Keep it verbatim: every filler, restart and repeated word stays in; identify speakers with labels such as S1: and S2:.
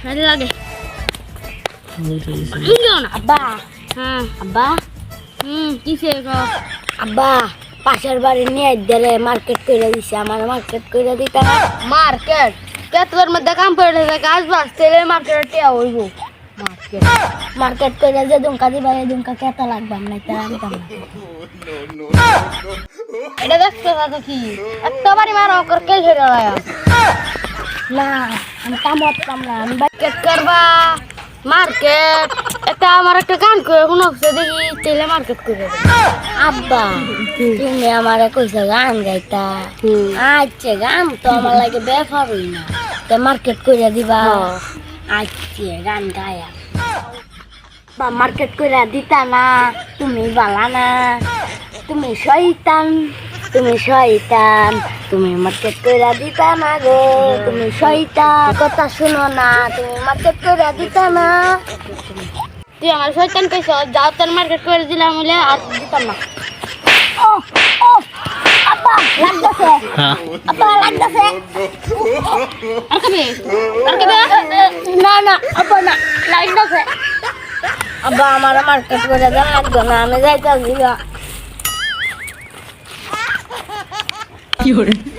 S1: ভালো লাগে না
S2: আব্বা
S1: হ্যাঁ
S2: আব্বা
S1: হুম কিসে গো
S2: আব্বা পাশের বাড়ি নিয়ে দিলে মার্কেট করে দিছে আমার মার্কেট করে দিতে
S1: মার্কেট কেতলার মধ্যে কাম করে থাকে কাজ বাস তেলে মার্কেটে টিয়া হইব মার্কেট
S2: মার্কেট করে যে দুমকা দিবা এই দুমকা কত লাগবে না তার আনতাম
S1: এটা দেখতে থাকো কি এত বাড়ি মারো কর কে ছেড়ে রায়া
S2: না আমি কামত কাম না আমি
S1: মার্কেট করবা মার্কেট এটা আমার একটা গান করে কোনো দেখি তেলে মার্কেট করে
S2: আব্বা তুমি আমারে কইছো গান গাইতা আচ্ছা গান তো আমার লাগে বেফার হই না তো মার্কেট করে দিবা আচ্ছা গান গায়া বা মার্কেট করে দিতা না তুমি বালা না তুমি শয়তান তুমি শয়তান তুমি মার্কেট করে দিতা না গো তুমি শয়তান কথা শুনো না তুমি মার্কেট করে দিতা না
S1: তুই আমার শয়তান কইছ যাও তোর মার্কেট করে দিলাম বলে আর দিতাম না
S2: ও ও আব্বা লাগতেছে আব্বা লাগতেছে
S1: আর কবে আর কবে
S2: না না আব্বা না লাগতেছে আব্বা আমার মার্কেট করে দেন লাগতো না আমি যাইতাছি
S3: কি করে